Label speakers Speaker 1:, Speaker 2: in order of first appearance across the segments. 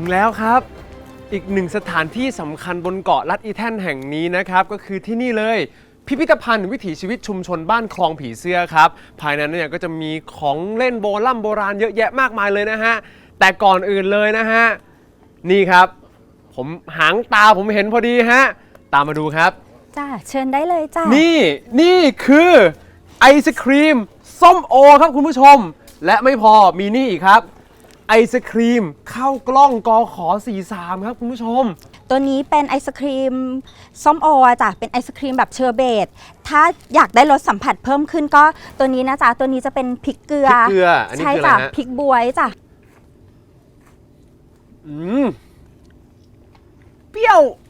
Speaker 1: งแล้วครับอีกหนึ่งสถานที่สำคัญบนเกาะลัดอีแท่นแห่งนี้นะครับก็คือที่นี่เลยพิพิธภัณฑ์วิถีชีวิตชุมชนบ้านคลองผีเสื้อครับภายในนั้นเนี่ยก็จะมีของเล่นโบราณเยอะแยะมากมายเลยนะฮะแต่ก่อนอื่นเลยนะฮะนี่ครับผมหางตาผมเห็นพอดีฮะตามมาดูครับ
Speaker 2: จ้าเชิญได้เลยจ้า
Speaker 1: นี่คือไอศครีมส้มโอครับคุณผู้ชมและไม่พอมีนี่อีกครับไอศครีมข้าวกล้องกข43ครับคุณผู้ชม
Speaker 2: ตัวนี้เป็นไอศครีมส้มโอจ้ะเป็นไอศครีมแบบเชอร์เบตถ้าอยากได้รสสัมผัสเพิ่มขึ้นก็ตัวนี้นะจ๊ะตัวนี้จะเป็นพริกเกลือ
Speaker 1: อันนี้
Speaker 2: ใช่
Speaker 1: คืออะไร
Speaker 2: จ้ะ
Speaker 1: ฮะ
Speaker 2: พริกบวยจ้ะ
Speaker 1: เปรี้ยว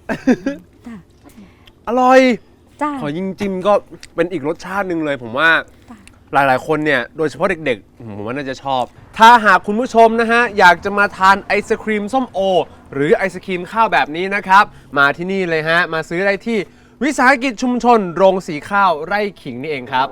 Speaker 1: อร่อย
Speaker 2: จ้ะ
Speaker 1: ขอยิ่งจิ้มก็เป็นอีกรสชาติหนึ่งเลยผมว่าหลายๆคนเนี่ยโดยเฉพาะเด็กๆผมว่าน่าจะชอบถ้าหากคุณผู้ชมนะฮะอยากจะมาทานไอศครีมส้มโอหรือไอศครีมข้าวแบบนี้นะครับมาที่นี่เลยฮะมาซื้อได้ที่วิสาหกิจชุมชนโรงสีข้าวไร่ขิงนี่เองครับ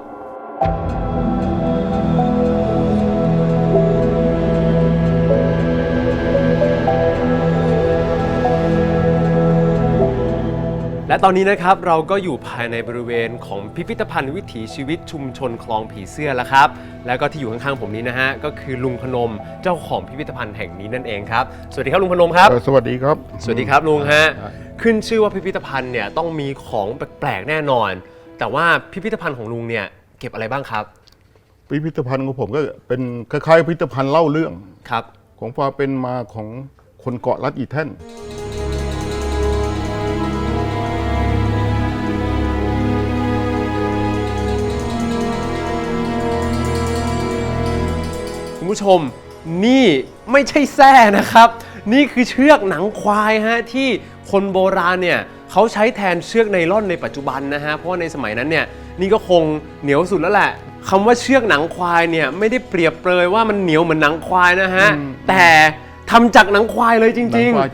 Speaker 1: และตอนนี้นะครับเราก็อยู่ภายในบริเวณของพิพิธภัณฑ์วิถีชีวิตชุมชนคลองผีเสื้อแล้วครับแล้วก็ที่อยู่ข้างๆผมนี้นะฮะก็คือลุงพนมเจ้าของพิพิธภัณฑ์แห่งนี้นั่นเองครับสวัสดีครับลุงพนมครับ
Speaker 3: สวัสดีครับ
Speaker 1: สวัสดีครับลุงฮะขึ้นชื่อว่าพิพิธภัณฑ์เนี่ยต้องมีของแปลกๆแน่นอนแต่ว่าพิพิธภัณฑ์ของลุงเนี่ยเก็บอะไรบ้างครับ
Speaker 3: พิพิธภัณฑ์ของผมก็เป็นคล้ายๆพิพิธภัณฑ์เล่าเรื่อง
Speaker 1: ครับ
Speaker 3: ของความเป็นมาของคนเกาะลัดอีแท่น
Speaker 1: คุณผู้ชมนี่ไม่ใช่แส้นะครับนี่คือเชือกหนังควายฮะที่คนโบราณเนี่ยเขาใช้แทนเชือกไนล่อนในปัจจุบันนะฮะเพราะว่าในสมัยนั้นเนี่ยนี่ก็คงเหนียวสุดแล้วแหละคำว่าเชือกหนังควายเนี่ยไม่ได้เปรียบเปรยว่ามันเหนียวเหมือนหนังควายนะฮะแต่ทำจากหนังควายเลยจริงๆ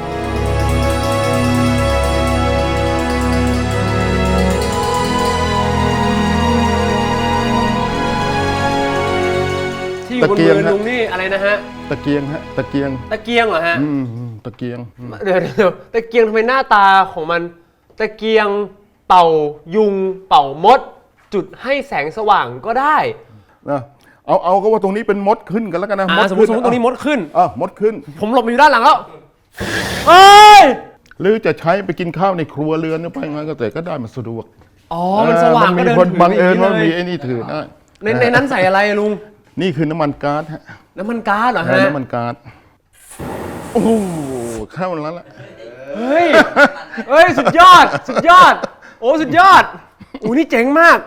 Speaker 1: ที่อยู่บนมือลุงนี่อะไรนะฮะ
Speaker 3: ตะเกียงฮะตะเกียง
Speaker 1: เหรอฮะ
Speaker 3: ตะเกียง
Speaker 1: เดี๋ยวตะเกียงทำไมหน้าตาของมันตะเกียงเป่ายุงเป่ามดจุดให้แสงสว่างก็ได้
Speaker 3: นะเอาก็ว่าตรงนี้เป็นมดขึ้นกันแล้วกันนะ
Speaker 1: สมมติตรงนี้มดขึ้น
Speaker 3: มดขึ้น
Speaker 1: ผมหลบอยู่ด้านหลังแล้วเอ้ย
Speaker 3: หรือจะใช้ไปกินข้าวในครัวเรือนไปงั้นก็แต่ก็ได้มันสะดวก
Speaker 1: มันสว่างก็เดินถือ
Speaker 3: บังเอิญว่ามีไอ้นี่ถือได้
Speaker 1: ในนั้นใส่อะไรลุง
Speaker 3: นี่คือน้ำมันก๊าซฮะ
Speaker 1: น้ำมันก๊าซเหรอฮะ
Speaker 3: น้ำมันก๊าซโอ้เข้าแล้วล่ะ
Speaker 1: เฮ้ยสุดยอดโอ้สุดยอดนี่เจ๋งมาก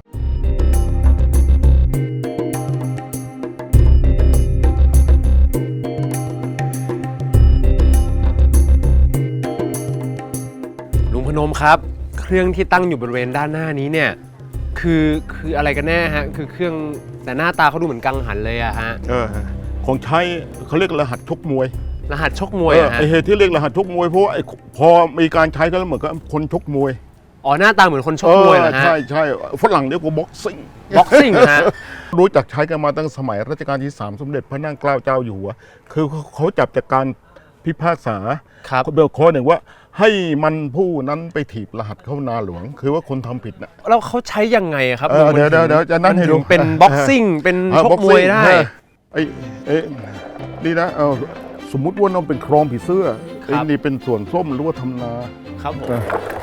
Speaker 1: ลุงพนมครับเครื่องที่ตั้งอยู่บริเวณด้านหน้านี้เนี่ยคืออะไรกันแน่ฮะคือเครื่องแต่หน้าตาเขาดูเหมือนกังหันเลยอะฮะ
Speaker 3: ของใช้เขาเรียกรหัสชกมวย
Speaker 1: รหัสชกมวย
Speaker 3: ไอเหตุที่เรียกรหัสชกมวยเพราะพอมีการใช้ก็เหมือนกับคนชกมวย
Speaker 1: หน้าตาเหมือนคนชกมวยเหรอฮะ
Speaker 3: ใช่ฝรั่งเรียกว่าบ็อกซิ่ง
Speaker 1: ฮะ
Speaker 3: รู้จักใช้กันมาตั้งสมัยรัชกาลที่3สมเด็จพระนั่งเกล้าเจ้าอยู่หัวคือเขาจับจากการพิพากษาเบลข้อหนึ่งว่าให้มันผู้นั้นไปถีบรหัสเข้านาหลวงคือว่าคนทำผิดนะ
Speaker 1: แล้วเขาใช้ยังไงครับ
Speaker 3: เดี๋ยวจะนั่นให้ดู
Speaker 1: เป็นบ็อกซิ่งเป็นชกมวยได้
Speaker 3: นี่นะสมมุติว่าน้องเป็นคลองผีเสื้อนี่เป็นส่วนส้มหรือว่าทำนา
Speaker 1: ครับผม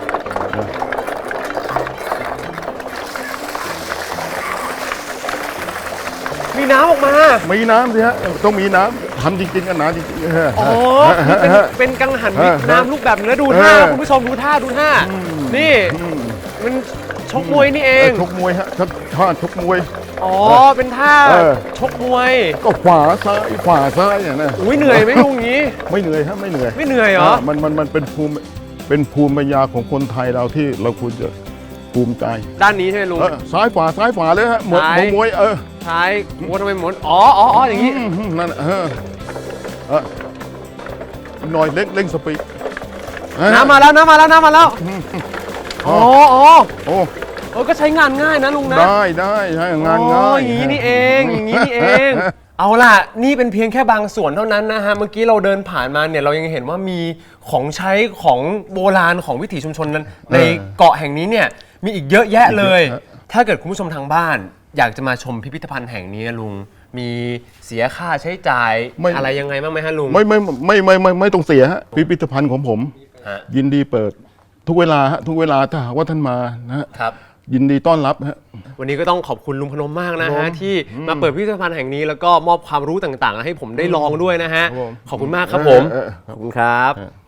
Speaker 1: มีน้ำออกมา
Speaker 3: มีน้ำสิฮะต้องมีน้ำทำจริงๆกันน้ำจริง
Speaker 1: ๆเป็นกังหันน้ำลูกแบบนี้ดูท่าคุณผู้ชมดูท่านี่มันชกมวยนี่เอง
Speaker 3: ชกมวยฮะท่าชกมวย
Speaker 1: เป็นท่าชกมวย
Speaker 3: ก็ขวาซ้ายอย่างนั้น
Speaker 1: เหนื่อยไหมลุงงี้
Speaker 3: ไม่เหนื่อยฮะไม่เหนื่อย
Speaker 1: เหรอ
Speaker 3: มันเป็นภูมิปัญญาของคนไทยเราที่เราควรจะภูมิใจ
Speaker 1: ด้านนี้ใช่ไหมลุง
Speaker 3: ซ้ายขวาเลยฮะหมดมวย
Speaker 1: ซ้ายทำไมหมดอย่างนี้
Speaker 3: นั่นหน่อยเร่งสปีด
Speaker 1: น้ำมาแล้วก็ใช้งานง่ายนะลุงนะ
Speaker 3: ได้ใช้งานง่าย
Speaker 1: อย่างนี้นี่เองเอาล่ะนี่เป็นเพียงแค่บางส่วนเท่านั้นนะฮะเมื่อกี้เราเดินผ่านมาเนี่ยเรายังเห็นว่ามีของใช้ของโบราณของวิถีชุมชนนั้นในเกาะแห่งนี้เนี่ยมีอีกเยอะแยะเลย ถ้าเกิดคุณผู้ชมทางบ้าน อยากจะมาชมพิพิธภัณฑ์แห่งนี้ลุงมีเสียค่าใช้จ่ายอะไรยังไงบ้างไหมฮะลุง
Speaker 3: ไม่ต้องเสียฮะพิพิธภัณฑ์ของผม ยินดีเปิดทุกเวลาฮะทุกเวลาถ้าหากว่าท่านมานะฮะยินดีต้อนรับฮะ
Speaker 1: วันนี้ก็ต้องขอบคุณลุงพนมมากนะฮะที่มาเปิดพิพิธภัณฑ์แห่งนี้แล้วก็มอบความรู้ต่างๆให้ผมได้ลองด้วยนะฮะขอบคุณมากครับผมขอบคุณครับ